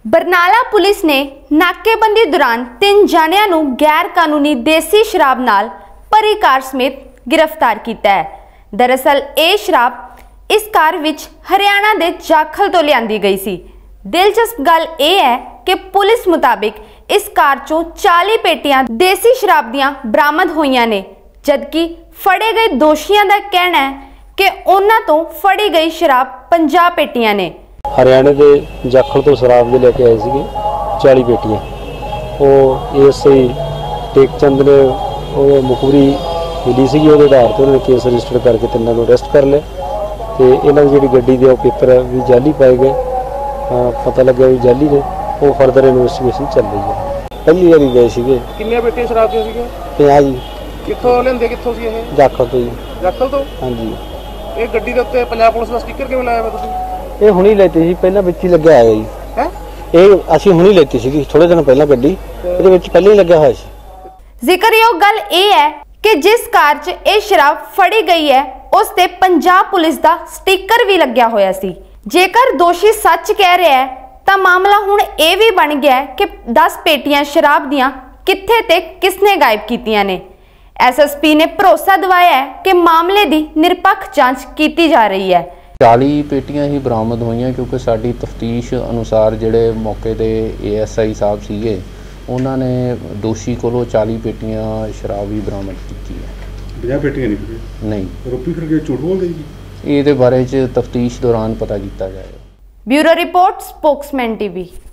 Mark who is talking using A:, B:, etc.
A: Barnala police ने नाकेबंदी दौरान 3 जानियां नूं गैर कानूनी देसी शराब नाल भरी कार समेत गिरफ्तार किया है। दरअसल ये शराब इस कार विच हरियाणा के जाखल तो लियांदी गई सी। दिलचस्प गल यह है कि पुलिस मुताबिक इस कार चों 40 पेटियां देसी शराब दियां बरामद होईयां ने, जबकि फड़े गए दोषियों का कहना है कि उन्हां तों फड़ी गई शराब 50 पेटियां ने।
B: हरियाणे के जाखल तो शराब दे लेके आए थे 40 पेटियां। वो एएसआई टेकचंद ने मुखबरी मिली सी, वो आधार पर उन्होंने केस रजिस्टर करके तीनों को अरेस्ट कर लिया। तो इन्हों की जी गड्डी के पेपर भी जाली पाए गए, पता लगे भी जाली ने। वो फर्दर इन्वेस्टिगेशन चल रही है। पहली बार गए थे।
C: कितनी पेटियां शराब दी सी?
B: 50 जी।
C: कित्थों लेंदे कित्थों सी ये?
B: जाखल तो जी।
C: जाखल तो?
B: हाँ जी।
C: ये गड्डी के उत्ते पंजाब पुलिस का स्टिकर किवें लाया तुसीं?
B: ये हुणी लेती सी, पहला विच ही लग्या है जी।
C: हैं?
B: ये असीं हुणी लेती सी थोड़े दिन पहला गड्डी, इहदे विच पहले ही लग्या होया सी।
A: जिक्रयोग गल यह है कि जिस कार च ये शराब फड़ी गई है उस ते पंजाब पुलिस का स्टिकर भी लग्या होया सी। जेकर दोषी सच कह रहा है तो मामला हुण ये भी बन गया है कि 10 पेटियां शराब दियां कित्थे ते किसने गायब कीतियां ने। एसएसपी ने भरोसा दिवाया है कि मामले की निरपक्ष जांच की जा रही है।
D: 40 पेटियां ही बरामद हुई क्योंकि साडी तफ्तीश अनुसार जिहड़े मौके ते एएसआई साहब सीगे उन्होंने दोषी कोलों 40 पेटियां शराब भी बरामद की है।
E: 50 पेटियां नहीं? आरोपी फिर झूठ बोलदे जी?
D: ये बारे च तफ्तीश दौरान पता किया जाएगा।
A: Bureau report, Spokesman TV.